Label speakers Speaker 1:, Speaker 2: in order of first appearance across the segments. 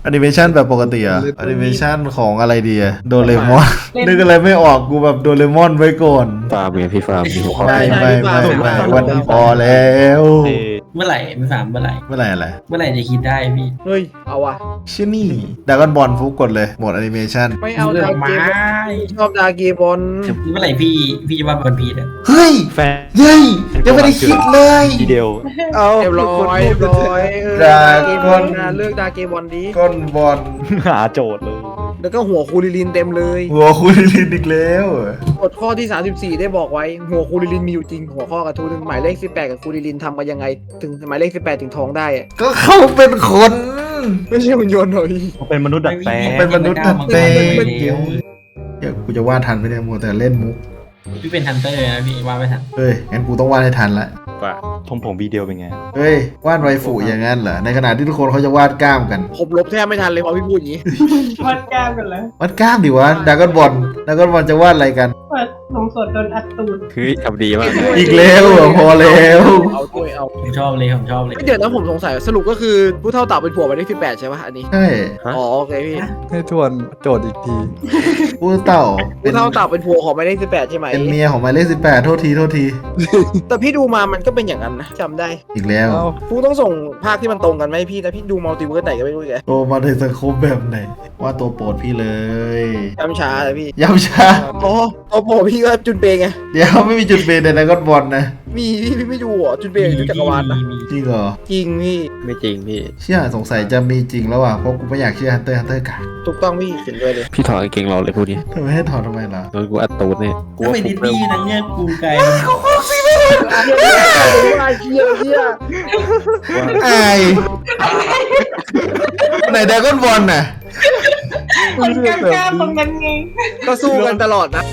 Speaker 1: อนิเมชันแบบปกติอะแอนิเมชันของอะไรดีอะโดเรมอนนึกอะไรไม่ออกกูแบบโดเรมอนไว้ก่อน
Speaker 2: ฟาร์มไงพี่ฟาร์มมีหัวข้อ
Speaker 1: ไม่วันนี้พอแล้ว
Speaker 3: เมื่อไหร่ไม่ถามเมื่อไหร่
Speaker 1: เมื่อไหร่อะไร
Speaker 3: เมื่อไหร่จะคิดได้พี่
Speaker 4: เฮ้ยเอาว่ะ
Speaker 1: ชื่อนี่ดากอนบอลฟุกกดเลยหมดแอนิเมชัน
Speaker 4: ไม่เอาดาเก
Speaker 3: ไม้
Speaker 4: บอลชอบดาเกบอล
Speaker 3: เมื่อไหร่พี่จะว่าวันพีชอะ
Speaker 1: เฮ้ย
Speaker 2: แฟน
Speaker 1: เฮ้ยยังไม่ได้คิดเลย
Speaker 2: ทีเดียว
Speaker 4: เรียบร้อย
Speaker 1: ดา
Speaker 4: เก
Speaker 1: ก
Speaker 4: บ
Speaker 1: อ
Speaker 4: อน ลนะเลือกดาเกบอลดี
Speaker 1: ก้อนบอล
Speaker 2: หาโจทย์เลย
Speaker 4: แล้วก็หัวคูริลินเต็มเลย
Speaker 1: หัวคุณลินอีกแล้ว
Speaker 4: กฎข้อที่ 34 ได้บอกไว้ หัวคูริลินมีอยู่จริง หัวข้อกระทู้หนึ่งหมายเลข 18 กับคูริลินทำกันยังไง ถึงหมายเลข 18 ถึงท้องได้อะ
Speaker 1: ก็เขาเป็นคน
Speaker 4: ไม่ใช่หุ่นยนต์เหรอพี่
Speaker 2: เป็นมนุษย์ดัดแปลง
Speaker 1: เป็นมนุษย์ดัดแปลง
Speaker 3: ไม่
Speaker 1: เดี๋ยวกูจะวาดทันไหมเนี่ยมัวแต่เล่นมุก
Speaker 3: พี่เป็นฮันเตอร์นะพี่ว่าไม่ทัน
Speaker 1: เฮ้ยงั้นกูต้องวาดให้ทันละ
Speaker 2: ว่าผมวีเดียวเป็นไง
Speaker 1: เฮ้ยวาดไวฟูอย่างนั้นเหรอในขณะที่ทุกคนเขาจะวาดกล้ามกัน
Speaker 4: ผมลบแทบไม่ทันเลยพอพี่พูดอย่างนี้
Speaker 5: วัดกล้ามกันแล้ว
Speaker 1: วาดกล้ามดิวะดากอนบอลจะวาดอะไรกัน
Speaker 5: เปิดนมสดโดนอัดตูด
Speaker 2: คือทำดีมาก
Speaker 1: อีกแล้วเหรอพอแล้ว
Speaker 4: เอาด้วยเอา
Speaker 3: ผมชอบเลย
Speaker 4: เดี๋ยวนะผมสงสัยสรุปก็คือผู้เท่าเต่าเป็นผัวหมายเลข 18 ใช่ป่ะอันนี้
Speaker 1: ใช่
Speaker 4: อ๋อโอเคพี่
Speaker 6: ให้ทวนโจทย์อีกที
Speaker 1: ผู้เต่าเป็
Speaker 4: ผู้
Speaker 1: น
Speaker 4: เท่าเต่าเป็นผัวของหมายเลข 18 ใช่ไหม
Speaker 1: เป็นเมียของหมายเลข18โทษที
Speaker 4: แต่พี่ดูมามันก็เป็นอย่างนั้นนะจำได้
Speaker 1: อีกแล้ว
Speaker 6: เอ้า
Speaker 4: ผู้ต้องส่งภาคที่มันตรงกันไหมพี่แต่พี่ดูมัลติเวิร์สไหนก็ไม่รู้แก
Speaker 1: โตมาในสังคมแบบไหนว่าตัวโปรดพี่เลย
Speaker 4: จำช้าเลยพี่
Speaker 1: ย้ำช้า
Speaker 4: อ๋อตัวโปรพี่ก็จุนเปงไง
Speaker 1: เดี๋ยวไม่มีจุดเปลี่ยนในดากอนบอลนะ
Speaker 4: มีพี่ไม่ดูเหรอจุนเปงอยู่จักรวาลนะ
Speaker 1: จริงเหรอ
Speaker 4: จริงพี่
Speaker 2: ไม่จริงพี่
Speaker 1: เชื่อสงสัยจะมีจริงแล้วอ่ะเพราะกูไม่อยากเชื่อฮันเตอร์กัน
Speaker 4: ถูกต้องพี่เขียนด้วยเลย
Speaker 2: พี่ถอดกางเกงเราเลยพวกนี้
Speaker 1: ทำไมให้ถอดทำไมล่ะ
Speaker 2: โดนกูอัดตูดเนี่ยกู
Speaker 3: ก็
Speaker 2: ว่า
Speaker 3: ไป
Speaker 2: ผ
Speaker 3: ดิ
Speaker 2: ม
Speaker 3: ส
Speaker 2: เริ่
Speaker 3: นี
Speaker 2: ม
Speaker 3: ย์นะเนี่ยกูไกล
Speaker 4: ว่าเชี่ยเชี่ย
Speaker 1: ไอไหนดากอนบอลน่ะ
Speaker 5: คนกล้ามตรงนั้นไง
Speaker 4: ก็สู้กันตลอดนะ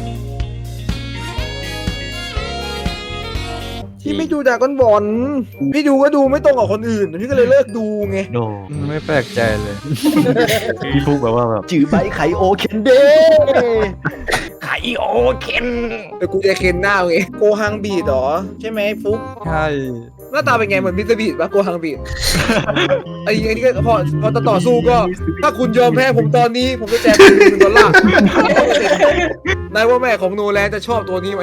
Speaker 4: พี่ไม่ดูดราก้อนบอลพี่ดูก็ดูไม่ตรงกับคนอื่นพี่ก็เลยเลิกดูไง
Speaker 2: โน
Speaker 6: ไม่แปลกใจเลย
Speaker 2: พี่พูดแบบว่าแบบจื้อใบไคโอเคนเดไคโอเคน
Speaker 4: เดี๋ยวกูจะเค้นหน้าไงโกฮังบีดเหรอใช่ไหมฟุก
Speaker 6: ใช่
Speaker 4: หน้าตาเป็นไงเหมือนมิสเตอร์บีดปะโกฮังบีดไอ้นี่ก็พอต่อสู้ก็ ถ้าคุณยอมแพ้ผมตอนนี้ผมจะแจก$1,000,000นายว่าแม่ของโนแลนจะชอบตัวนี้ไหม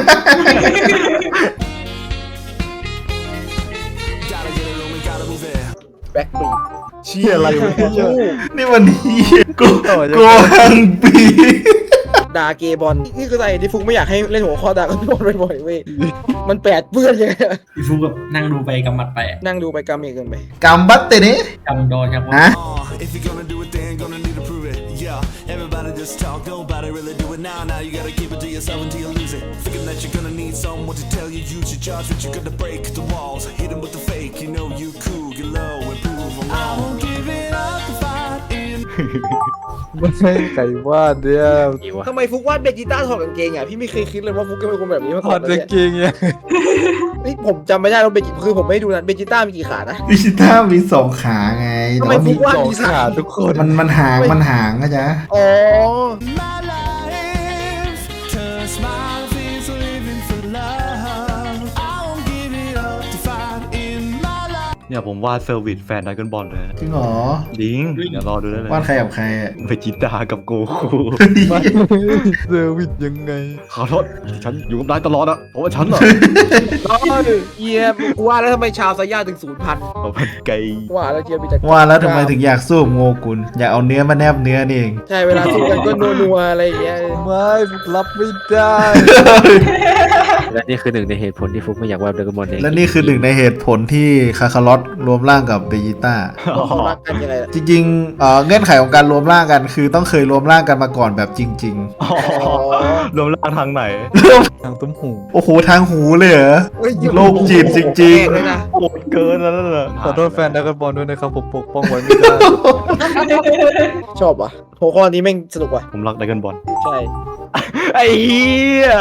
Speaker 4: แบ็คบีด
Speaker 6: เชี่ยอะไรวะเนี่ย
Speaker 1: นี่มันเฮียโกหังปี
Speaker 4: ดาเกบอลนี่คืออะไรที่ฟุกไม่อยากให้เล่นหัวข้อดาก้อนบอลบ่อยๆเว้ยมันแปดเปื้อนยังไงอะ
Speaker 3: พี่ฟูแบบนั่งดูไปกำมัดไป
Speaker 4: นั่งดูไปกำเองเกินไป
Speaker 1: กัมบัตเตนี่
Speaker 3: กำโดนครับ
Speaker 1: ฮะ
Speaker 7: If you're gonna do it, then gonna need to prove it. Yeah, everybody just talk, nobody really do it now. Now you gotta keep it to yourself until you lose it. Thinking that you're gonna need someone to tell you you should judge, but you're gonna break the walls, hit 'em with the fake. You know you cool, get low, and prove 'em wrong. I won't give it up the fight in.
Speaker 6: ไม่ใช่ไก่วาดเนี่ย
Speaker 4: ทำไมฟุกวาดเบจิต้าถอดกางเกงอ่ะพี่ไม่เคยคิดเลยว่าฟุกจะเป็นคนแบบนี้มา
Speaker 6: ถ
Speaker 4: ก่
Speaker 6: อ
Speaker 4: อ
Speaker 6: ด
Speaker 4: นเลย
Speaker 6: กางเกงเนี่ย
Speaker 4: นี่ผมจำไม่ได้ว่าคือผมไม่ดูนะเบจิต้ามีกี่ขานะ
Speaker 1: วิชิต้ามี2 ขาไง
Speaker 4: ทำ
Speaker 1: แต่
Speaker 4: ไม
Speaker 1: ว่า
Speaker 4: ฟุ
Speaker 1: มี
Speaker 4: กวาด
Speaker 6: สอง
Speaker 4: มี
Speaker 6: ขา
Speaker 4: ขา
Speaker 6: ทุกคน
Speaker 1: มันหางนะจ๊ะ
Speaker 4: อ๋อ
Speaker 7: My life turns smiles is living for love. I won't give it up to fight in my life.
Speaker 2: เนี่ยผมวาดเซอร์วิสแฟนดากอนบอลเลย
Speaker 1: จริงเหรอ
Speaker 2: ดิงเดี๋ยวรอดูได้เลยว
Speaker 1: าดใครกับใครอะ
Speaker 2: เวจิต้ากับโกคู
Speaker 6: เซอร์วิสยังไง
Speaker 2: ขอโทษฉันอยู่กับนายตลอดอะเพราะว่าฉันอะ
Speaker 4: เยียบกูว่าแล้วทำไมชาวไซย่าถึง0,000
Speaker 2: เอาเป็นไกล
Speaker 4: ว่าแล้วเจียบมีแต่
Speaker 1: ว่าแล้วทำไมถึงอยากสู้กับโงกุลอยากเอาเนื้อมาแนบเนื้อนี่เอง
Speaker 4: ใช่เวลาสู้กันก็นัวๆอะไรอย่างเงี้ย
Speaker 6: ไม่รับไม่ได้
Speaker 2: และนี่คือหนึ่งในเหตุผลที่ฟุกไม่อยากวาดดากอนบอลเอง
Speaker 1: และนี่คือหนึ่งในเหตุผลที่คาคาลอตรวมร่างกับเบจิต้า
Speaker 4: เขารักกันยังไงล่ะ
Speaker 1: จริงๆเงื่อนไขของการรวมร่างกัน คือต้องเคยรวมร่างกันมาก่อนแบบจริง
Speaker 2: อ๋อรวมร่างทางไหน
Speaker 6: ทางตุ้มหู
Speaker 1: ๆ โอ้โหทางหูเลยเหรอ
Speaker 4: เฮ้ย
Speaker 1: โรคจิตจริงๆ
Speaker 4: เลยนะ
Speaker 2: โหดเกินแล้วนั่นน่ะ
Speaker 6: ขอโทษแฟนดากอนบอลด้วยนะครับผมปกป้องไว้ไม่ได้
Speaker 4: ชอบว่ะหัวข้อนี้แม่งสนุกว่ะ
Speaker 2: ผมรักดากอนบอล
Speaker 4: ใช่
Speaker 2: ไอ้เหี้ย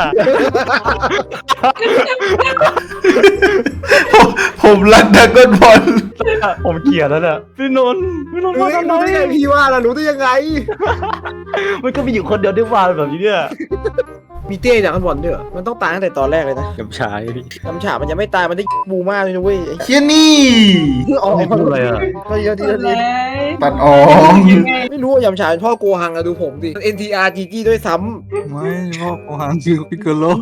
Speaker 1: ผมรักดากอนบอล
Speaker 2: ผมเกลียดแล้วเนี่ยพี่นนท์
Speaker 4: รู้
Speaker 2: ว่าทำไม
Speaker 4: ได้ไงพี่ว่าล่ะรู้ได้ยังไง
Speaker 2: มันก็มีอยู่คนเดียวที่วาดแบบนี้เนี่ย
Speaker 4: มีเต้จากกันบอลด้วยเหรอมันต้องตายตั้งแต่ตอนแรกเลยนะ
Speaker 2: กำชาพี่
Speaker 4: น้ำฉามันยังไม่ตายมันได้บูมากเลยนะเว้ย
Speaker 1: เฮียนี่
Speaker 4: อ๋อ
Speaker 2: ไม่พูดอะไรอ่ะ
Speaker 4: ก็เยอะที
Speaker 5: เล
Speaker 4: ละที
Speaker 5: ย
Speaker 1: ปัดออก
Speaker 5: ยังไง
Speaker 4: ไม่รู้ว่ายำฉาเป็นพ่อโกหังอะดูผมดิ NTR GG ด้วยซ้
Speaker 6: ไม่พ่อของหางคือพิกโกโล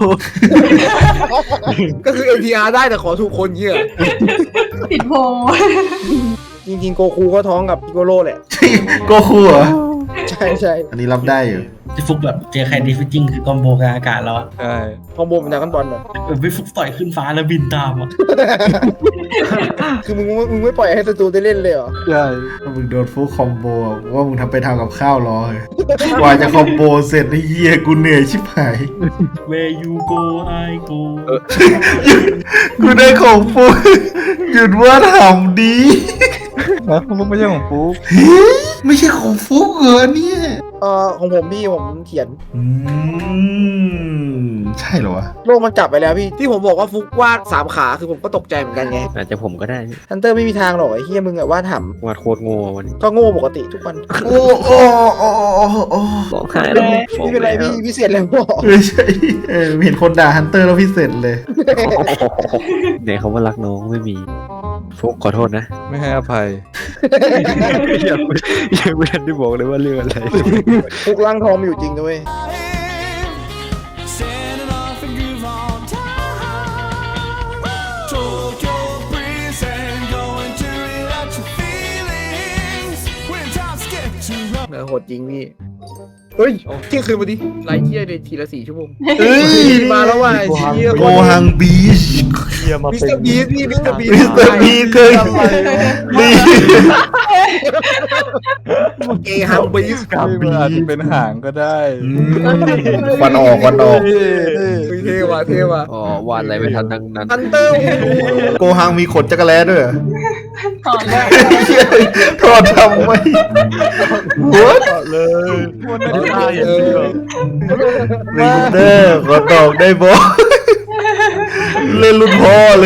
Speaker 4: ำก็คือ NTR ได้แต่ขอถูกคนเงี้ย
Speaker 5: ติดโพ
Speaker 4: จริงๆโกคูก็ท้องกับพิโกโลแหละ
Speaker 1: โกคูเหรอ
Speaker 4: ใช่ใช่
Speaker 1: อันนี้รับได้อยู่
Speaker 3: พี่ฟุกแบบเจอใครดีฟิจริงคือกอมโบกลางอากาศแล้วอะ
Speaker 6: ใช่
Speaker 4: คอมโบเป็นดราก้อนบอลเหรอ
Speaker 3: พี่ฟุกต่อยขึ้นฟ้าแล้วบินตามอ่ะ
Speaker 4: คือมึงไม่ปล่อยให้ศัตรูได้เล่นเลยเหรอ
Speaker 6: ใช่
Speaker 1: ถ้ามึงโดนฟูคอมโบว่ามึงทำไปทำกับข้าวรอเลยกว่าจะคอมโบเสร็จไอ้เหี้ยกูเหนื่อยชิบหาย
Speaker 3: Where you go I go
Speaker 1: กูได้ของฟูหยุดว่าทำดี
Speaker 6: นะมันไม่ใช่ของปุ๊ก
Speaker 1: เฮ้ยไม่ใช่ของฟุกเหรอเนี่ย
Speaker 4: ของผมพี่ผมเขียน
Speaker 1: ใช่เหรอวะ
Speaker 4: โลกมันจับไปแล้วพี่ที่ผมบอกว่าฟุกวาด3 ขาคือผมก็ตกใจเหมือนกันไง
Speaker 2: อาจจะผมก็ได้
Speaker 4: ฮันเตอร์ไม่มีทางหรอกไอ้เฮียมึงอะวาดถ่
Speaker 2: วาดโคตรโง่วันนี้
Speaker 4: ำก็โง่ปกติทุกวัน
Speaker 1: โอ้โอ้โอ้โอ้
Speaker 2: ร้องไห้แล้ว
Speaker 4: ไม่เป็นไรพี่พิเศษแล้วบอก
Speaker 1: ไม่ใช่เห็นคนด่าฮันเตอร์แล้วพิเศษเลย
Speaker 2: เนี่ยเขาว่ารักน้องไม่มีฟุกขอโทษนะ
Speaker 6: ไม่ให้อภัย
Speaker 2: ยังไม่ทันได้บอกเลยว่าเรื่องอะไร
Speaker 4: ฟุกร่างทองมีอยู่จริงด้วย
Speaker 7: Standing off and groove on time. Tokyo breeze and going to relax your feelings. When times get too rough.
Speaker 4: โหดจริงพี่เฮ้ยเที่ยงคืนมาดิไลฟ์เที่ยเลยทีละ4 ชั่วโมง
Speaker 1: เอ้ย
Speaker 4: มาแล้วว่ะเชี่ย
Speaker 1: โกฮังบีช
Speaker 4: มิสเตอร์บีสพี่มิสเตอร์บี
Speaker 1: มิสเตอร์บีเคยดี
Speaker 4: เกฮังบีส
Speaker 6: มันอาจจะเป็นหางก็ได้
Speaker 1: ควันออกควันออก
Speaker 4: เท่ว่ะเท่ว่ะ
Speaker 2: อ๋อวาดอะไรไม่ทันทั้งนั้น
Speaker 4: ฮันเตอร์
Speaker 1: โกฮังมีขนจักรแล้ด้วยเหรอ
Speaker 5: ถอนแล้ว
Speaker 1: โทษทำไม
Speaker 6: เลยมันไม่ได้
Speaker 1: วินเตอร์ขอตอบได้บอเล่นรุ่นพ่อเลย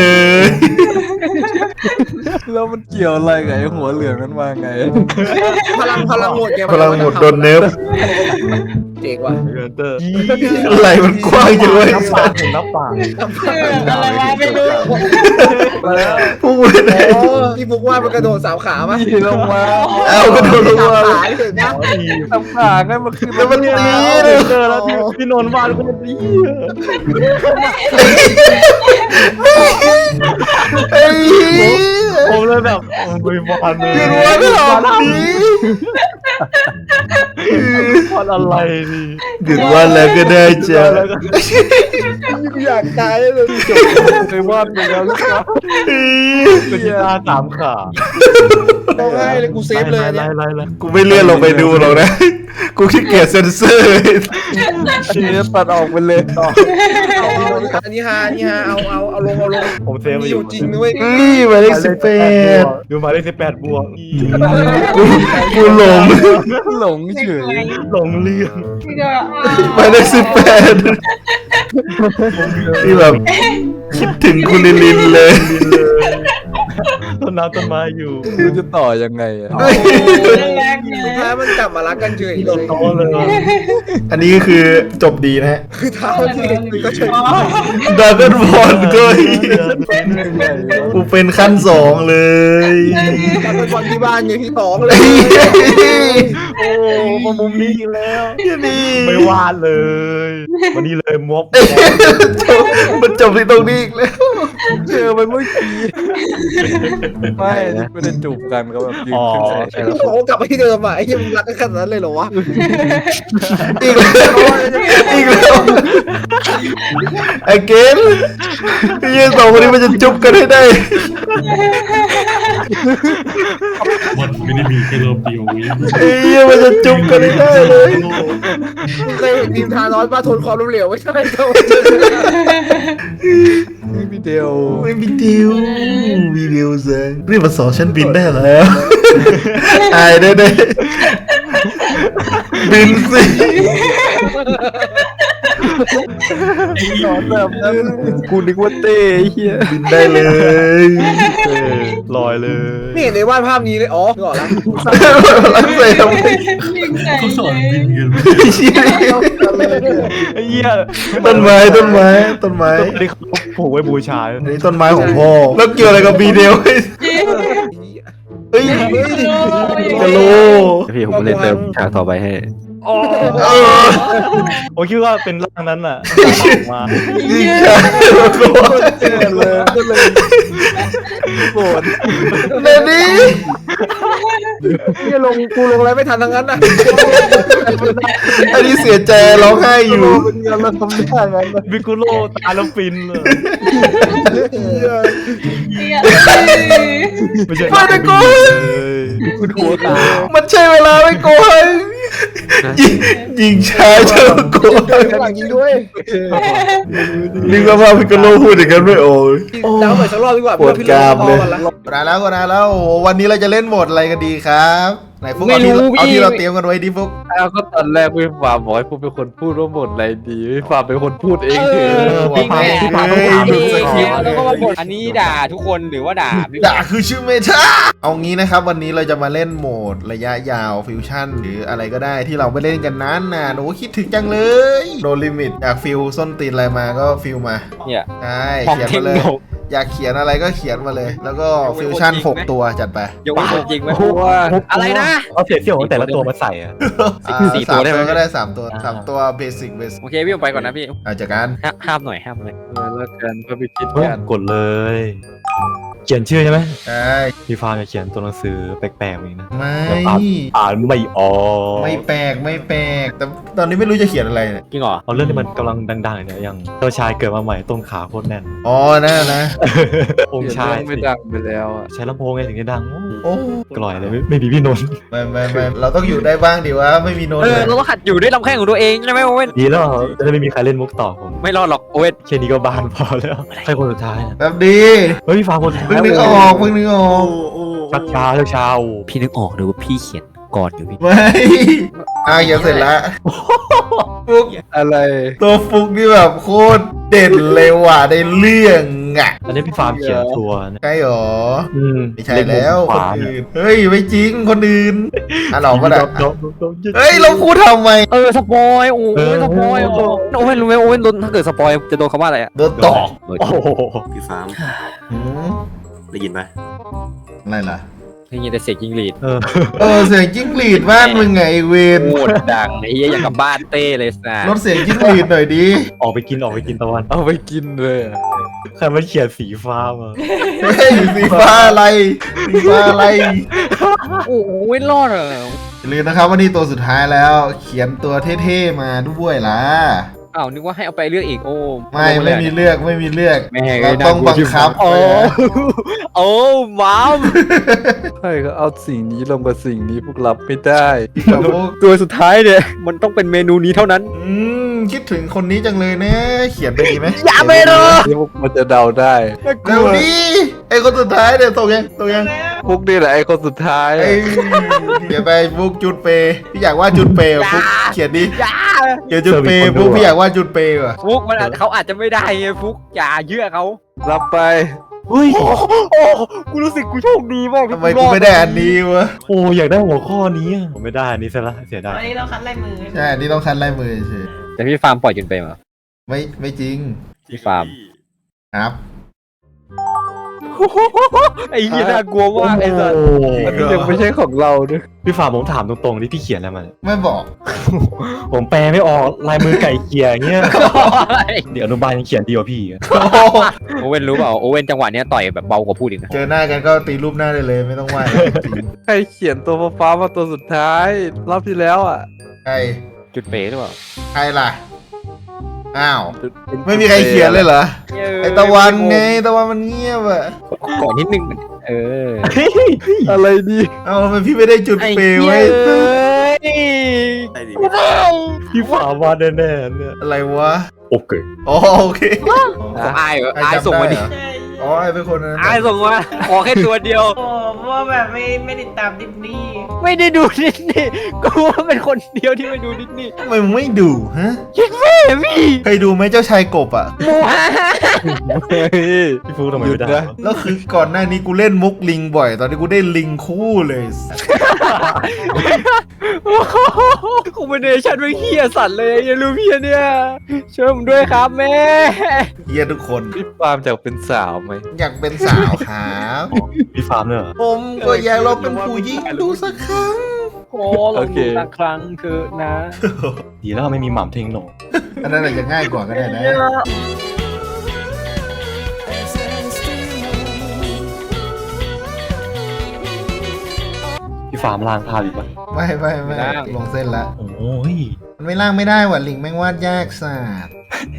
Speaker 6: แล้วมันเกี่ยวอะไรกับไอ้หัวเหลืองนั้นมาไง
Speaker 4: พลังหมดไง
Speaker 1: พลังหมดโดนเนิร์ฟ
Speaker 4: เจ๋งว่ะ
Speaker 1: ไหลมันกว้างจังเลย
Speaker 6: น้ำปากถึงน้ำปาก
Speaker 5: อะไรวะไม่รู้
Speaker 1: พูดเลย
Speaker 4: อ๋อที่ฟุกว่ามันกระโดด3 ขาป่ะ
Speaker 6: ลงมา
Speaker 1: เอาก็โดนลงมา
Speaker 4: ขาเห็นนะ
Speaker 6: น้ำขาไงมันคือ
Speaker 1: แล้วมันตีเลย
Speaker 6: เจอแล้วพี่นนท์วาดก็มันดี
Speaker 1: ไอ้
Speaker 6: ผมเลยแบบไม่วาดเลย
Speaker 1: ยืนว่าไม่หลอกดี
Speaker 6: วาดอะไรดิ
Speaker 1: หยุดว่าแล้วก็ได้จ้ะ
Speaker 4: อยากตายเลย
Speaker 6: จบเคยวาดไปแล้วลูกค้าเป็นตา3 ขา
Speaker 4: ต้องให้เลยกูเซฟเลยเนี่ย
Speaker 1: กูไม่เลื่อนลงไปดูหรอกนะ กูขี้เกียจเซ็นเซอร์
Speaker 6: เชฟตัดออกไปเลยต่อ
Speaker 4: อันนี้ฮาเอาลง
Speaker 6: ผมเซฟ
Speaker 4: มีอยู่จริงนะเว้ย
Speaker 1: นี่หมายเลข18
Speaker 6: ดูมาได้18 บวก
Speaker 1: กูหลง
Speaker 6: หลงเฉยหลงเรื่อง
Speaker 5: พี่ก็
Speaker 1: หมายเลข18ที่แบบคิดถึงคุณลิลินเลย
Speaker 6: ต้นน้ำต้นไม้อยู่กูจะต่อยังไงอ่ะ
Speaker 5: แรกเล
Speaker 4: สุด
Speaker 5: ย
Speaker 4: ท้ายมันกลับมารักกันเฉยเลย
Speaker 6: โตเลย
Speaker 1: อันนี้คือจบดีนะฮะ
Speaker 4: คือเท้าที่ก็เฉย
Speaker 1: ดราก้อนบอลก็กูเป็นขั้น2เลย
Speaker 4: ตอนเป็นบอลที่บ้านไงพี่2เลย
Speaker 6: โอ้มามุมนี้อีกแล้ว
Speaker 1: นี่
Speaker 6: ไม่วาดเลย วันนี้เลยม็อบ
Speaker 1: มันจบที่ตรงนี้อีกแล้ว
Speaker 6: เจอไปเมื่อกี้ไม่ได้จูบกันก็แบบยืนขึ้นใส่
Speaker 2: ใช่แล้ว
Speaker 4: เขากลับไปที่เดิมอ่ะไอ้ยังรักกันขนาดนั้นเลยเหรอวะ
Speaker 1: อีกแล้วอีกแล้วไอเกนยี่สองคนนี้มันจะจุบกันให้ได้
Speaker 3: มันไม่ได้มีแค่รอบเดียววิ
Speaker 1: ไอ้เหี้ยมันจะจุบกันให้ได้เลย
Speaker 4: เคยเห็นทีมทานอสมาทนความล้มเหลวไม่ใช่เขา
Speaker 6: พี่เดียว
Speaker 1: ไม่มีดิวมีดิวเซงรีบมาสอนฉันบินได้แล้วอายได้ได้บินสิ
Speaker 6: นอนแบบนั้นกูนึกว่าเต้เฮีย
Speaker 1: บินได้เลย
Speaker 2: ลอยเลย
Speaker 4: ไม่เห็นในวาดภาพนี้เลยอ๋อนึกออกแล้ว
Speaker 1: ลังเซทำไม
Speaker 5: ยิงใส่
Speaker 3: เขาสอน
Speaker 5: เลย
Speaker 3: บินกัน
Speaker 2: ไอ้เหี้ย
Speaker 1: ต้นไม้ต้นไม้ต้นไม้
Speaker 2: ต้นนี้เขาผูกไว้บูชา
Speaker 1: อันนี้ต้นไม้ของพ่อแล้วเกี่ยวอะไรกับบีเดลเฮ้ย
Speaker 4: เฮ้ย
Speaker 1: กะโหล
Speaker 2: พี่ผมเลยเติมฉากต่อไปให้
Speaker 1: เออ
Speaker 2: ผมคิดว่าเป็นร่างนั้นน่ะมา
Speaker 1: ยิงชายโกรธ
Speaker 6: โกรธ
Speaker 1: เนนี่
Speaker 4: เนี่ยกูลงอะไรไม่ทันทั้งนั้นนะ
Speaker 1: อันนี้เสียใจร้องไห้อยู่
Speaker 6: เป็นงานเราทำได้ไง
Speaker 2: บิกุโลตายแล้วฟินเลยไม่ใช่
Speaker 1: ไม่ได้โกง
Speaker 6: คุณหัวตา
Speaker 1: มันใช่เวลาไม่โกงยิงชายเจ้าโกง
Speaker 4: หลังยิงด้วย
Speaker 1: นึกว่าพิกาโลพูดอย่างนั้นไม่โอ้ย
Speaker 4: ดาวไปสักรอบดีกว่า
Speaker 1: ปวดกรามเลย
Speaker 4: พอกันละ
Speaker 1: กดนานแล้วกดนานแล้วโอ้โหวันนี้เราจะเล่นโหมดอะไรกันดีครับไหนฟุกเอาที่เราเตรียมกันไว้ดิฟุก
Speaker 6: แล้วก็ตอนแรกพี่ฟาร์มบอกให้ผมเป็นคนพูดว่าหมดอะไรดีพี่ฟาร์มเป็นคนพูดเองเถอะ
Speaker 1: พี่แม่
Speaker 8: แล้วก็มาบ่นอันนี้ด่าทุกคนหรือว่าด่าพี่
Speaker 1: ด่าคือชื่อเมทาเอางี้นะครับวันนี้เราจะมาเล่นโหมดระยะยาวฟิวชั่นหรืออะไรก็ได้ที่เราไม่เล่นกันนั้นนะโอ้คิดถึงจังเลยโนลิมิตอยากฟิลส้นตีนอะไรมาก็ฟิลมา
Speaker 8: เนี่ย
Speaker 1: ใช่
Speaker 8: ของ
Speaker 1: เขียน
Speaker 8: เทค
Speaker 1: มาเลย
Speaker 8: โน
Speaker 1: อยากเขียนอะไรก็เขียนมาเลย แล้วก็ฟิวชั่น6ตัวจัดไป
Speaker 8: ยกเว้นคนจริงไหม
Speaker 2: อะไรนะเอาเสียงของแต่ละตัวมาใส่อะ
Speaker 8: สี่ตัวได้ไหม
Speaker 1: ก็ได้3ตัว3ตัวเบสิกเบสิก
Speaker 8: โอเคพี่ผมไปก่อนนะพี่
Speaker 1: เอาจากการ
Speaker 8: ห้ามหน่อยห้ามหน่อย
Speaker 6: แล้วกันพอไปคิด
Speaker 2: เฮ้ย
Speaker 6: กัน
Speaker 2: กดเลย เขียนชื่อใช่ไหม
Speaker 1: ใช่
Speaker 2: พี่ฟาร์มจะเขียนตัวหนังสือแปลกๆอีกนะ
Speaker 1: ไม่
Speaker 2: อ่านไม่ออก
Speaker 1: ไม่แปลกไม่แปลกแต่ตอนนี้ไม่รู้จะเขียนอะไรเนี่ย
Speaker 8: จริงเหรอ
Speaker 2: เอาเรื่องที่มันกำลังดังๆเนี่ยอย่างเจ้าชายเกิดมาใหม่ต้นขาโคตรแน่น
Speaker 1: อ๋อนั่นนะ
Speaker 2: องค์ชาย
Speaker 6: ไม่ดังไปแล้วอ่ะ
Speaker 2: ใช้ลำโพงไงถึงจะดัง
Speaker 1: โอ้
Speaker 2: กล่อยเลยไม่มีพี่นนท์
Speaker 1: ไม่เราต้องอยู่ได้บ้างดิวะไม่มีโน้ต
Speaker 8: เอ
Speaker 1: เล
Speaker 8: อย เราต้องหัดอยู่ด้วยลำแข้งของตัวเองใช่ไหมโอเว่น
Speaker 2: ดีแล้วจะได้ไม่มีใครเล่นมุกต่อผม
Speaker 8: ไม่รอดหรอกโอเว่น
Speaker 2: แค่นี้ก็บานพอแล้วใครคนสุดท้ายนะ
Speaker 1: แบบดี
Speaker 2: เฮ้ยพี่ฟาร์มคนสุดท้าย
Speaker 1: เพิ่งนึกออกเพิ่งนึกออก
Speaker 2: เช้า
Speaker 8: พี่นึกออกเลยว่าพี่เขียนก่อนอยู่พี่
Speaker 1: ไม่เขียนเสร็จแล้วฟุก
Speaker 6: อะไร
Speaker 1: ตัวฟุกนี่แบบโคตรเด่นเลยว่ะในเรื่องอ่ะ
Speaker 2: อันนี้พี่ฟาร์มเขียนทัวร์นะ
Speaker 1: ใช่หรอ ไม่ใช่
Speaker 2: เน
Speaker 1: แล้ว
Speaker 2: มุม
Speaker 1: คน
Speaker 2: ขวา
Speaker 1: อื่นเฮ้ยไม่จริงคนอื่นอ่ะเราก็ได้
Speaker 2: ดอก
Speaker 1: เฮ้ยเราพูดทำไม
Speaker 8: สปอยโอ้ยสปอยโอเว่นรู้ไหมโอเว่นโดนถ้าเกิดสปอยจะโดนคำว่าอะไรอ่ะ
Speaker 1: โดนตอก
Speaker 2: โอ้โห
Speaker 9: พี่ฟาร์ม
Speaker 1: หืม
Speaker 9: ได้ยินไหม
Speaker 1: อะไรล่ะ
Speaker 8: ได้ยินแต่เสียงจิงหรีด
Speaker 1: เสียงจิ้งหรีดบ้านมึงไงไอ้เวน
Speaker 8: โคตรดังไอ้เหี้ยอย่างกับบ้านเต้เลยนะ
Speaker 1: ลดเสียงจิ้งหรีดหน่อยดิ
Speaker 2: ออกไปกินตะวัน
Speaker 6: เอาไปกินเลยอะ
Speaker 2: ใครมันเขียนสีฟ้ามา
Speaker 1: เฮ้ยสีฟ้าอะไรสีฟ้าอะไร
Speaker 8: โอ้ยรอดเหรอ
Speaker 1: อย่าลืมนะครับว่านี่ตัวสุดท้ายแล้ว เขียนตัวเท่ๆมาด้วยล่ะ
Speaker 8: อ้าวนึกว่าให้เอาไปเลือกอีกโอ้
Speaker 1: ไม่มีเลือกไม่มีเลือก
Speaker 8: แม่ง
Speaker 1: เราต้องบังคับ
Speaker 8: โอ้โอ้ว้าว
Speaker 6: ใช่ก็เอาสิ่งนี้ลงกับสิ่งนี้พวกรับไม่ได้
Speaker 1: กับพวก
Speaker 8: ตัวสุดท้ายเนี่ยมันต้องเป็นเมนูนี้เท่านั้น
Speaker 1: คิดถึงคนนี้จังเลยนะเขียนไปดีไหม
Speaker 8: อย่าไปเลย
Speaker 6: ที่พวกมันจะเดาได้
Speaker 1: เร็วดิไอ้คนสุดท้ายเนี่ยตกยัง
Speaker 6: พวกนี่แหละไอ้คนสุดท้าย
Speaker 1: ไอ้เขียนไปฟุกจุดเปย์พี่อยากว่าจุดเปย์ฟุกเขียนดิเขียนจุดเปย์ฟุกพี่อยากว่าจุดเปย์ว่ะ
Speaker 8: ฟุกมันเขาอาจจะไม่ได้ไงฟุกอย่าเยื่อเขา
Speaker 6: รับไป
Speaker 2: เฮ้ย
Speaker 8: โอ้กูรู้สึกกูโชคดีมาก
Speaker 1: ทำไมกูไม่ได้อันนี้วะ
Speaker 2: โอ้อยากได้หัวข้อนี้อะผมไม่ได้อันนี้ซะละเสียดาย
Speaker 5: วันนี้เราคัดลายมือ
Speaker 1: ใช่อันนี่ต้องคัดลายมือเฉย
Speaker 8: แต่พี่ฟาร์มปล่อยจนไปมา
Speaker 1: ไม่จริง
Speaker 8: พี่ฟาร์ม
Speaker 1: ครับ
Speaker 8: ไอ้ยี่น่ากลัวมากไอ้สัส
Speaker 6: อันนี้ยังไม่ใช่ของเราด้วย
Speaker 2: พี่ฝ่าผมถามตรงๆที่พี่เขียนอะไรมา
Speaker 1: ไม่บอก
Speaker 2: ผมแปลไม่ออกลายมือไก่เกียร์อย่างเงี้ยเดี๋ยวอนุบาลยังเขียนดีกว่าพี่อีกอะ
Speaker 8: โอเว่นรู้เปล่าโอเว่นจังหวะเนี้ยต่อยแบบเบากว่าพูดอีกนะ
Speaker 1: เจอหน้ากันก็ตีรูปหน้าได้เลยไม่ต้องไหว้จริง
Speaker 6: ใครเขียนตัวฟ้าๆมาตัวสุดท้ายรอบที่แล้วอ่ะ
Speaker 1: ใคร
Speaker 8: จุดเป๋หรือเปล่า
Speaker 1: ใครล่ะอ้าวไม่มีใครเขียนเลยเหรอไอตะวันไงตะวันมันเงียบอะ
Speaker 8: ก่อนนิดนึงเออ
Speaker 6: อะไรดี
Speaker 1: เอ้าทำไมพี่ไม่ได้จุดเปย์ไว้
Speaker 9: ได้ดี
Speaker 2: พี่ฝ่าวาดแน่ๆเนี่ย
Speaker 1: อะไรวะ
Speaker 2: โอเค
Speaker 1: อ๋อโอเค
Speaker 8: ของอายเหรอ
Speaker 1: ใคร
Speaker 8: อาย
Speaker 1: จำ
Speaker 8: ส่งมาดิ
Speaker 1: ได้เหรอ
Speaker 5: ใช่
Speaker 1: อ๋ออ๋อไอ้เป็นคนนั้น
Speaker 8: ไอ้ส่งมาขอแค่ตัวเดียว
Speaker 5: โอ้เพราะว่าแบบไม่ติดตามดิสนีย์
Speaker 8: ไม่ได้ดูดิสนีย์กูว่าเป็นคนเดียวที่ไม่ดูดิสนีย์
Speaker 1: ทำไมมึงไม่ดูฮะ
Speaker 8: พี่
Speaker 1: เคยดูไหมเจ้าชายกบอ่ะ
Speaker 8: หมูฮะ
Speaker 2: เฮ้ยพี่ฟูทำไมไม่ได้วะ
Speaker 1: แล้วคือก่อนหน้านี้กูเล่นมุกลิงบ่อย ตอนนี้กูได้ลิงคู่เลย
Speaker 8: คอมบิเนชั่นไม่เฮียสัตว์เลยอย่ารู้พี่เนี่ยช่วยผมด้วยครับแม่
Speaker 1: เฮียทุกคน
Speaker 6: พี่ฟาร์มจะเป็นสาวไหม
Speaker 1: อยากเป็นสาวครับ
Speaker 2: พี่ฟาร์มเนี่ยเหรอ
Speaker 1: ผมก็อยากลองเป็นผู้หญิงดูสักครั้ง
Speaker 8: โอ้ลองดูสักครั้งเถอะนะ
Speaker 2: ดีแล้วไม่มีหม่ำเทงหนง
Speaker 1: อันนั้นอาจจะง่ายกว่าก็ได้นะ
Speaker 2: พี่ฟาร์มล้างภาพอีกปะ
Speaker 1: ไม่ลงเส้นละ
Speaker 2: โอ้ย
Speaker 1: มันไม่ล่างไม่ได้ว่ะลิงแม่งวาดยากสัส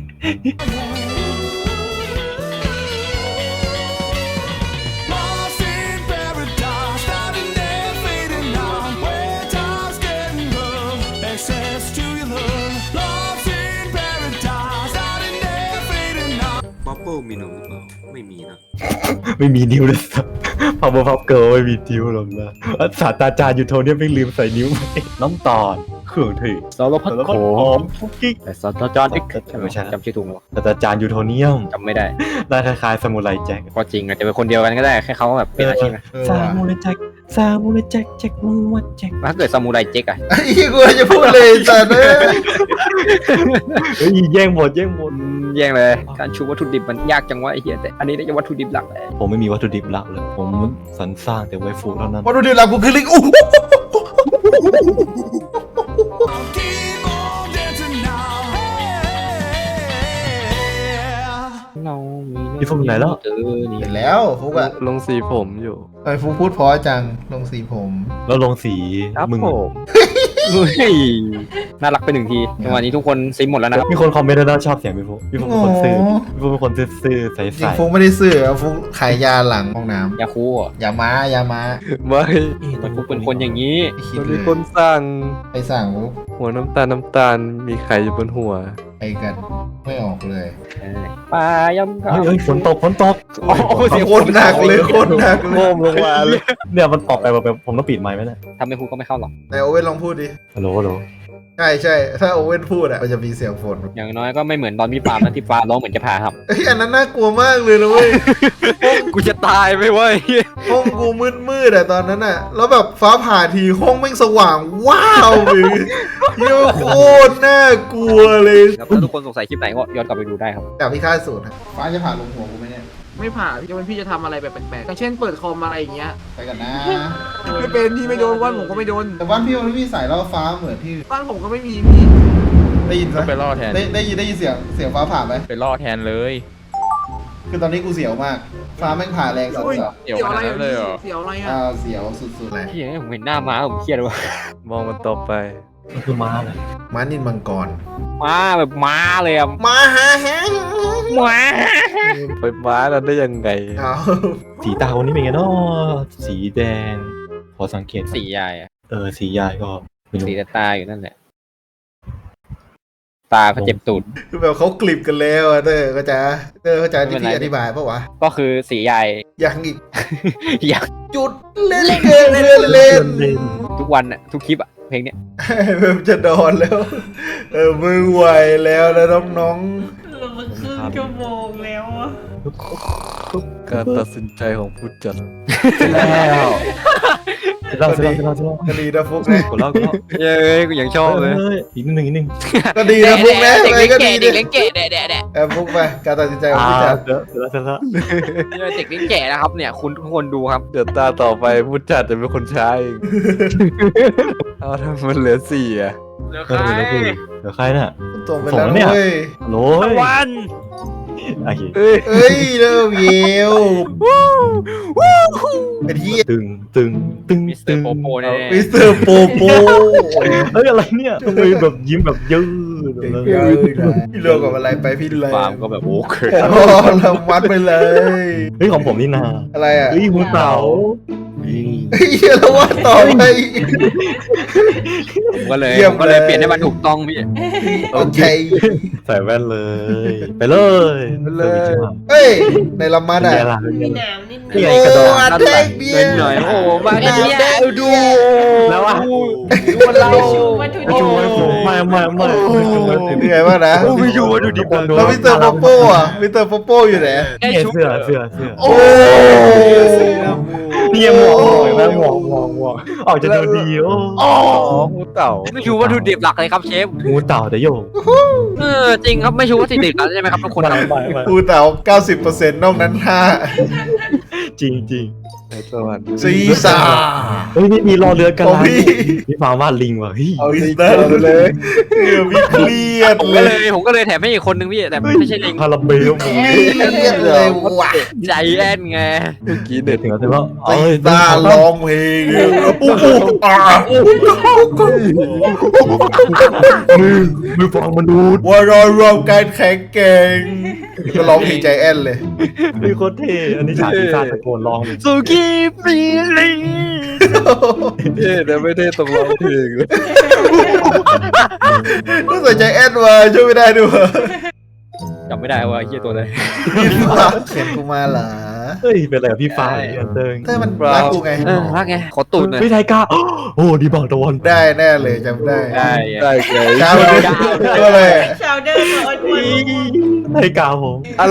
Speaker 7: Lost in paradise, starting there, fading out. Where time's getting rough, access to your love. Lost in paradise, starting there, fading out.
Speaker 9: ป๊อปเปิลมีหนูหรือเปล่าไม่มีนะ
Speaker 2: ไม่มีนิ้วเลยสัสพาวเวอร์พับเกิร์ลไม่มีนิ้วหรอกนะศาสตราจารย์อยู่โทเนี่ยไม่ลืมใส่นิ้วไปน้ำตาลเครื่องเทศ
Speaker 8: สารพัด
Speaker 2: แล้ว
Speaker 8: โข
Speaker 2: ก็หอมคุกกิ๊ก
Speaker 8: แต่ศาสตราจารย์เอ็กซ์
Speaker 2: ไม่ใช่
Speaker 8: จำชื่อถูกไหมวะ
Speaker 2: ศาสตราจารย์ยูโทเนียม
Speaker 8: จำไม่ได้
Speaker 2: หน้าคล้ายๆซามูไรแจ็ค
Speaker 8: ก็จริงอาจจะเป็นคนเดียวกันก็ได้แค่เขาแบบเป็นอาชีพนะ
Speaker 2: ซามูไรแจ็คซามูไรแจ็คแจ็คมูวัดแจ็ค
Speaker 8: ถ้าเกิดซามูไรเจ๊กอะ
Speaker 1: ไอ้เหี้ยกูจะพูดเลยสัสเอ้ย
Speaker 2: เฮ้ยแย่งหมด
Speaker 8: แย่งเลยการชูวัตถุดิบมันยากจังวะไอ้เหี้ยแต่อันนี้ได้วัตถุดิบหลักเลย
Speaker 2: ผมไม่มีวัตถุดิบหลักเลย ผมสรรสร้างแต่ไวฟูเท่านั้น
Speaker 1: วัตถุดิบหลักกูคือลิงอู้
Speaker 7: Keep on dancing now. Hey.
Speaker 8: เรามี
Speaker 2: พี่ฟุกอยู่ไหนแล้ว
Speaker 8: เจอนี่
Speaker 1: เห็นแล้วฟุกอะ
Speaker 6: ลงสีผมอยู่
Speaker 1: ทำไมฟุกพูดเพราะจังลงสีผม
Speaker 2: แล้วลงสี
Speaker 6: ครับ
Speaker 2: มึง
Speaker 6: ผม
Speaker 8: เฮ้ยน่ารักไปหนึ่งทีจังหวะนี้ทุกคนซิมหมดแล้วนะครับ
Speaker 2: มีคนคอมเมนต์แล้วชอบเสียงพี่ฟุกเป็นคนซื่อพี่ฟุกเป็นคนซื่อๆใ
Speaker 1: จริ
Speaker 2: ส
Speaker 1: งฟุกไม่ได้ซื้อฟุกขายยาหลังห้องน้
Speaker 8: ยาคูอ่ะ
Speaker 1: ำยาม้า
Speaker 6: ไม่
Speaker 8: มันฟุกเป็นคนอย่างนี้
Speaker 1: ไม่คิด
Speaker 6: มัน
Speaker 1: เล
Speaker 6: มี
Speaker 1: ย
Speaker 6: คนสั่ง
Speaker 1: ไปสั่งฟุก
Speaker 6: หัวน้ำตาลมีไข่อยู่บนหัว
Speaker 1: ไปกันไม่ออกเลย
Speaker 8: ปลายำครับ
Speaker 2: เฮ้ยฝนตก
Speaker 8: โอ้โหเสียง
Speaker 1: โคตรหนักเลยโคตรหนักเลย
Speaker 2: โง่มลงมาเลยเนี่ยมันตอบไปแบบผมต้องปิดไมค์ไหมเนี่ย
Speaker 8: ทำให้พูดก็ไม่เข้าหรอก
Speaker 1: แต่โอเว่นลองพูดดิ
Speaker 2: ฮัลโหล
Speaker 1: ใช่ถ้าโอเว่นพูดอะมันจะมีเสียงฝน
Speaker 8: อย่างน้อยก็ไม่เหมือนตอนพี่ปาล์มนะที่ปาล์มร้องเหมือนจะผ่าครับ
Speaker 1: เฮ้ยอันนั้นน่ากลัวมากเลยนะเว้ย
Speaker 8: กูจะตายไปเว้ย
Speaker 1: ห้องกูมืดอะตอนนั้นอะแล้วแบบฟ้าผ่าทีห้องแม่งสว่างว้าวเลยเหี้ยโคตรน่ากลัวเลย
Speaker 8: ครับถ้าทุกคนสงสัยคลิปไหนก็ย้อนกลับไปดูได้ครับ
Speaker 1: แต่พี่ค่าสูตรฟ้าจะผ่าลงหัวกูไหมเนี่ย
Speaker 4: ไม่ผ่าพี่จะเป็นพี่จะทำอะไรแบบแปลกๆอย่างเช่นเปิดคอมอะไรอย่างเงี้ย
Speaker 1: ไปกันนะ
Speaker 4: ไม่เป็นพี่ไม่โดนว่านผมก็ไม่โดน
Speaker 1: แต่บ้านพี่มันไม่มีสายล่อฟ้าเหมือนพี่
Speaker 4: บ้านผมก็ไม่มีพี่
Speaker 1: ได้ยินไหม
Speaker 6: ไปล่อแทน
Speaker 1: ได้ยินเสียงฟ้าผ่าไหม
Speaker 6: ไปล่อแทนเลย
Speaker 1: คือตอนนี้กูเสียวมาก ฟ้าแม่งผ่าแรงสุด
Speaker 4: อุ้ย
Speaker 1: ๆ
Speaker 6: เดี๋ยว
Speaker 4: เสียวอะไร
Speaker 6: ขนาดนั้นเลยเหรอ
Speaker 4: เสียวอะไรอ่ะ
Speaker 1: เสียวสุดๆเลย
Speaker 8: พี่ผมเห็นหน้าม้าผมเครียดว่ะ
Speaker 6: มองมันต่อไป
Speaker 2: มันคือม้าเลย
Speaker 1: ม้านินมังกร
Speaker 8: ม้าแบบม้าเลยอะ
Speaker 1: ม้าฮะ
Speaker 8: ม้า
Speaker 6: ไปม้านั้นได้ยังไง
Speaker 1: เอา
Speaker 2: สีตาคนนี้เป็นไงเนาะสีแดง พอสังเกต
Speaker 8: สียายอะ
Speaker 2: สียายก็ไม่รู้
Speaker 8: สีแต่ตาอยู่นั่นแหละตาเขาเจ็บตูด
Speaker 1: คือแบบเขากลิบกันแล้วอะเตอร์เข้าใจที่พี่อธิบายปะวะ
Speaker 8: ก็คือสียาย
Speaker 1: ยังอีก
Speaker 8: อยาก
Speaker 1: จุดเล่นเกินเล่น
Speaker 8: ทุกวันอะทุกคลิปอะเพลงเนี้ย
Speaker 1: เริ่มจะนอนแล้ว มือไหวแล้วนะน้อง
Speaker 5: เรามาครึ่งชั่วโมงแล้วอะ
Speaker 6: การตัดสินใจของผู้จัด
Speaker 2: แล้วเล่า
Speaker 1: ๆก็ดีนะฟุกนะ
Speaker 2: กูเล่า
Speaker 8: เย้ยกูยังชอบเลย
Speaker 2: อีกนิดนึง
Speaker 1: ก็ดีนะฟุกนะ
Speaker 8: เด็ก
Speaker 1: อะไร
Speaker 8: เลี้ยง
Speaker 1: ก็
Speaker 8: แก่
Speaker 1: ดี
Speaker 8: เด็ก
Speaker 1: ดิ
Speaker 8: เลี้ยงแก่แดะ
Speaker 1: ฟุกไปการตัดสินใจของพี่จัด
Speaker 2: เดี๋ยวแล้ว
Speaker 8: เด็กเลี้ยงแก่นะครับเนี่ยคุณทุกคนดูครับ
Speaker 6: เดี๋ยวตาต่อไปผู้จัดจะเป็นคนใช้เองเอาทำมันเหลือสี่อะ
Speaker 8: เหลือ
Speaker 2: เดี๋ยวใครน่ะ
Speaker 1: ตรงไปแล้ว
Speaker 2: ส่งแล้วเนี่ย
Speaker 1: เว้ย
Speaker 2: โหล
Speaker 8: ตะวัน
Speaker 2: โอเค
Speaker 6: เอ้ย
Speaker 1: เอ้ยเริ่มเยวเป็นที่
Speaker 2: ตึง
Speaker 8: มิสเตอร์โปโปแน่
Speaker 1: มิสเตอร์โปโป
Speaker 2: เฮ้ยอะไรเนี่ยทำไมแบบยิ้มแบบยืด
Speaker 1: เยอะนะพี่เลือกกับอะไรไปพี่เลย
Speaker 8: ฟาร์มก็แบบโอเค
Speaker 1: โอ้เราวัดไปเลย
Speaker 2: เฮ้ยของผมนี่นา
Speaker 1: อะไรอ่ะ
Speaker 2: เฮ้ยหัวเต่า
Speaker 1: เฮียแล้วว่าต่อไป
Speaker 8: ผมก็เลย
Speaker 1: เยี่ยม
Speaker 8: ผมก็เลย
Speaker 1: เลย
Speaker 8: เปลี่ยนให้มันถูกต้องพี่
Speaker 1: โอเค
Speaker 2: ใส่แว่นเลย ไปเลย
Speaker 1: เฮ้ยในละมัดอ่ะ
Speaker 5: มีหนามนิดนึ
Speaker 2: นี่
Speaker 5: ง
Speaker 2: ไงกระโดด
Speaker 1: อันแดงเบียร์
Speaker 8: หน่อยโอ้โหมาแค่เนี้ยดู
Speaker 2: แล้วอ่ะ
Speaker 8: ดูเรา
Speaker 5: วัตถุ
Speaker 2: ไม่
Speaker 5: ดิบ
Speaker 2: ชูไว้ผมไม่
Speaker 1: เหนื่อยมากนะ
Speaker 2: ไม่ชูวัตถุดิบ
Speaker 1: แล้วมิสเตอร์โปโป้อ่ะมิสเตอร์โปโป้อยู่ไหน
Speaker 8: แค่
Speaker 2: นี่
Speaker 8: ชุบ
Speaker 2: เสื้อ
Speaker 1: โอ้
Speaker 2: นี่หมวกหมวกออกจะดูดีโอ้
Speaker 8: งูเต่าไม่ชูวัตถุดิบหลักเลยครับเชฟ
Speaker 2: งูเต่าแต่โยง
Speaker 8: จริงครับไม่ชูวัตถุดิบหลักใช่ไหมครับทุกคน
Speaker 2: ไม่
Speaker 1: อูเต๋า 90%นอกนั้น5
Speaker 2: จริง
Speaker 8: สวัสดี
Speaker 1: ซีซ่า
Speaker 2: เฮ้ยนี่มีรอเรือกัน
Speaker 1: ของพี่
Speaker 2: พี่ฟาร์มวาดลิงว่ะเฮ้ย
Speaker 1: มิสเตอร์เลยเดี๋ยวพี่เครียด
Speaker 8: ผม
Speaker 1: เล
Speaker 8: ก็เลย ยผมก็เลยแถมให้อีกคนนึงพี่แต่ไม่ใช่ลิง
Speaker 2: คาราเบล
Speaker 1: เครียดเลยว่ะ
Speaker 8: ใจแอนไง
Speaker 2: เมื่อกี้เด็ดถึงแล้วใช่ปะ
Speaker 1: ซีซ่าร้องเพลงปุ๊บ
Speaker 2: มือฟองมนุษย์
Speaker 1: ว่ารอรวมการแข่งเก่งก็ร้องเพลงใจแอนเลย
Speaker 2: มีโคตรเท่อันนี้ฉากที่ซาตะโกนร้องเลย
Speaker 8: สุกี้ปีลิงเท่แต่ไม่ได้ตรงร้องเพลงเลย
Speaker 1: ก็ใส่ใจแอนมาช่วยไม่ได้ด้วย
Speaker 8: จำไม่ได้ว่าเฮียตัวไหน
Speaker 1: เขียนกูมาเหรอ
Speaker 2: เฮ้ยเป็นอะไรกับพี่ฟ้าอันเติง
Speaker 1: เต้มันรักกูไง
Speaker 8: รักไงขอตูดหน่อย
Speaker 2: พี่ไทก้าโอ้ดีบอกตะวัน
Speaker 1: ได้แน่เลยจำได้
Speaker 8: ได้เลย
Speaker 1: เช้าเลยก็เลย
Speaker 5: ชาวเดอร์มาอ้วน
Speaker 2: ไทก้าผม
Speaker 8: อะไร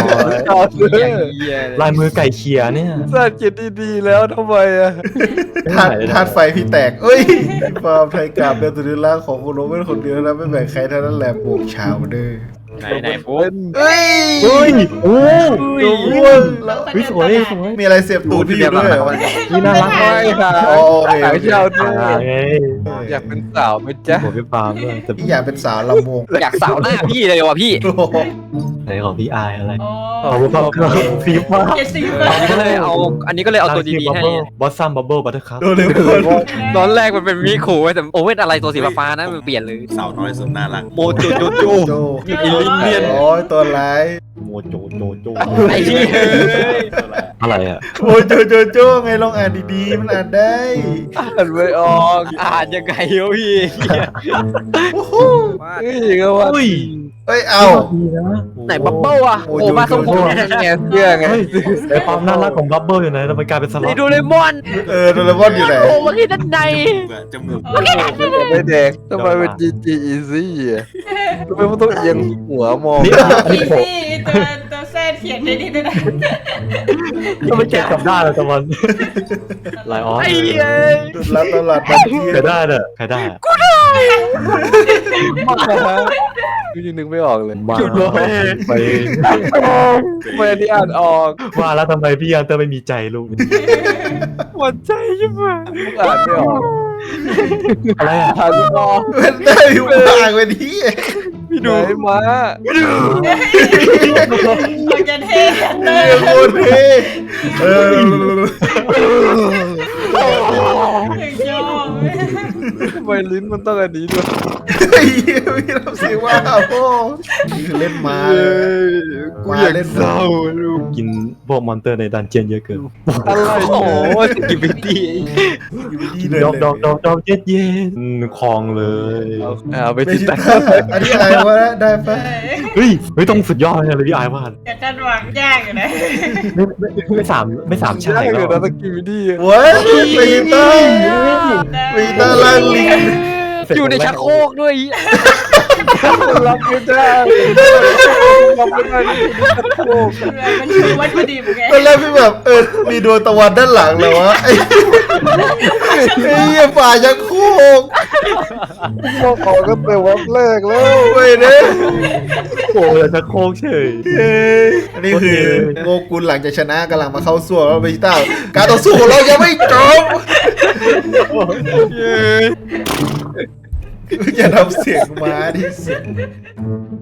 Speaker 2: ลายมือไก่เขียเนี่ย
Speaker 8: สร้างจิตดีๆแล้วทำไมอ่ะ
Speaker 1: ธาตุไฟพี่แตกเอ้ยความไทยกราบเดินตัวนี้ล่างของคุณโรเป็นคนเดียวนะไม่แบ่งใครเท่านั้นแหละบวกชาวเด้อ
Speaker 8: ไหนปุ๊บ
Speaker 1: เฮ้ย
Speaker 2: เฮ้ยโอ้
Speaker 1: ตัวอ้วนแล้ว
Speaker 5: ๆ
Speaker 2: วิสวยสวย
Speaker 1: มีอะไรเสียบตูดพี่อยู่ด้วยเหรอ
Speaker 2: นี่น่ารัก
Speaker 8: ไม่ค่ะ
Speaker 1: โอเค
Speaker 8: หางเช่าด้วย
Speaker 2: ไง
Speaker 8: อยากเป็นสาวไหมจ๊ะ
Speaker 2: ผมพี่ฟาร์มด้วยแต่
Speaker 1: พี่อยากเป็นสาวลำวง
Speaker 8: อยากสาวหน้าพี่เลยว่ะพี่
Speaker 1: โอ้โห
Speaker 2: ไหนของพี่อายอะไร
Speaker 5: อ๋อ
Speaker 2: อ๋อพี่ฟาร์มฟีฟ้า
Speaker 5: เจ็ดสิบ
Speaker 8: อันนี้ก็เลยเอาตัวดีๆให้
Speaker 2: บอสซัมบับเบิ้ลบัตเตอร์คัพ
Speaker 1: โดนเลยคน
Speaker 8: ตอนแรกมันเป็นมิคูแต่โอเว่นอะไรตัวสีฟ้านะมันเปลี่ยนเลย
Speaker 9: สาวน้อยสุดน่ารัก
Speaker 8: โมจูจูจู
Speaker 1: โจ
Speaker 8: อีลิงเนียน
Speaker 1: โอ้ยตัวร้าย
Speaker 2: โมโจโจโจ
Speaker 8: ไอ้เหี้ย
Speaker 2: อะไรอ่ะ
Speaker 1: โอ้ยโจไงลองอ่านดีๆมันอ่านได้
Speaker 8: อ่านไม่ออกอ่านยังไงวะพี่
Speaker 1: โอ้โห
Speaker 8: เฮ้ยก็ว่า
Speaker 2: อุ้ย
Speaker 1: เอ้ยเอา
Speaker 2: ดีนะ
Speaker 8: ไหนบับเบิ้ลอ่ะ
Speaker 1: โอ้
Speaker 8: โอ้
Speaker 1: ย
Speaker 8: มาทรงผม
Speaker 1: โอ้ย
Speaker 8: แง่เสื้อไง
Speaker 2: เฮ้ยไอความน่ารักของบับเบิ้ลอยู่ไหนทำไมกลายเป็นสล็อ
Speaker 8: ไอ้
Speaker 2: ต
Speaker 8: โดเรมอน
Speaker 1: โดเรมอนอยู่ไหน
Speaker 8: โอ้มาที่ด้านใน
Speaker 9: จมูก
Speaker 8: ไม่แดงทำไมเป็น GG Easy อ่ะทำไมมันต้องเอียงหัวมอง
Speaker 2: นี่อัน
Speaker 5: อี
Speaker 2: นี้ผม
Speaker 5: ซี่ตัวแซดเขียนได้ดีด้วยนะ
Speaker 2: ก็ไม่เก็บกลับด้านเลยตะวันไลออน
Speaker 8: ไอ้เหี้ย
Speaker 1: จุดรับตลาดบัตรเที่ย
Speaker 2: ใครได้เด้อใครได้
Speaker 8: กูยังนึกไม่ออกเลย
Speaker 2: มาไป
Speaker 8: ไม่อันนี้อ่านออก
Speaker 2: ว่าแล้วทำไมพี่ยันเตอร์ไม่มีใจลูก
Speaker 8: หมดใจใช่ไหมอ่านไม่ออก
Speaker 2: อะไรอ่ะ
Speaker 8: อ่านไม่ออก
Speaker 1: มันได้อยู่ปากไปที่
Speaker 8: พี่ดูมา
Speaker 5: เราจะเท่เล
Speaker 1: เรีย
Speaker 5: ย
Speaker 1: กโคตรเท่เออ
Speaker 5: ยอม
Speaker 8: ทำไมลิ้นมันต้องอันนี้ด้วย
Speaker 1: ไอ้เหี้ยพี่ทำเสียงว่าโอ้นี่คือเล่นมาเลย
Speaker 8: กูอยากเศร้าลูก
Speaker 2: กินพวกมอนเตอร์ในดันเจียนเยอะเกิน
Speaker 8: อะไรโอ้โหสกิบิตี้
Speaker 1: อยู่ที่เดิ
Speaker 2: ดอกเย็ดเย็นคลองเลย
Speaker 8: เอาไป
Speaker 1: ไม่
Speaker 8: ติด
Speaker 1: ใช่
Speaker 8: ตาม
Speaker 1: อันนี้อะไรวะได้ปะ
Speaker 2: เฮ้ยต้องสุดยอดเลยพี่อายว่า
Speaker 5: แต่การวางยากอยู่นะ
Speaker 2: ไม่สามชาติ
Speaker 8: เล
Speaker 2: แล้
Speaker 8: ยว นะสกิบิตี้
Speaker 1: โว้ยปีเตอร์ปีเตอร์ล่างลิง
Speaker 8: อยู่ในชักโครกด้วยรับไม่ได้รับไม่ได้ที่ชักโครก
Speaker 5: มันคือวัตถุดิบไง
Speaker 1: ตอนแรกพี่แบบมีดวงตะวันด้านหลังเลยวะไอ้เหี้ยฝ่ายังโคก
Speaker 8: พวกเขาก็เป็นวันแรกแล้ว
Speaker 1: เว้ยเนี่ย
Speaker 2: โอ้ยจะโค้งเฉย
Speaker 1: อันนี้คือโงกุลหลังจากชนะกำลังมาเข้าสู้แล้วเบจิต้าการต่อสู้ของเรายังไม่จบอย่าทำเสียงม้าที่เสียง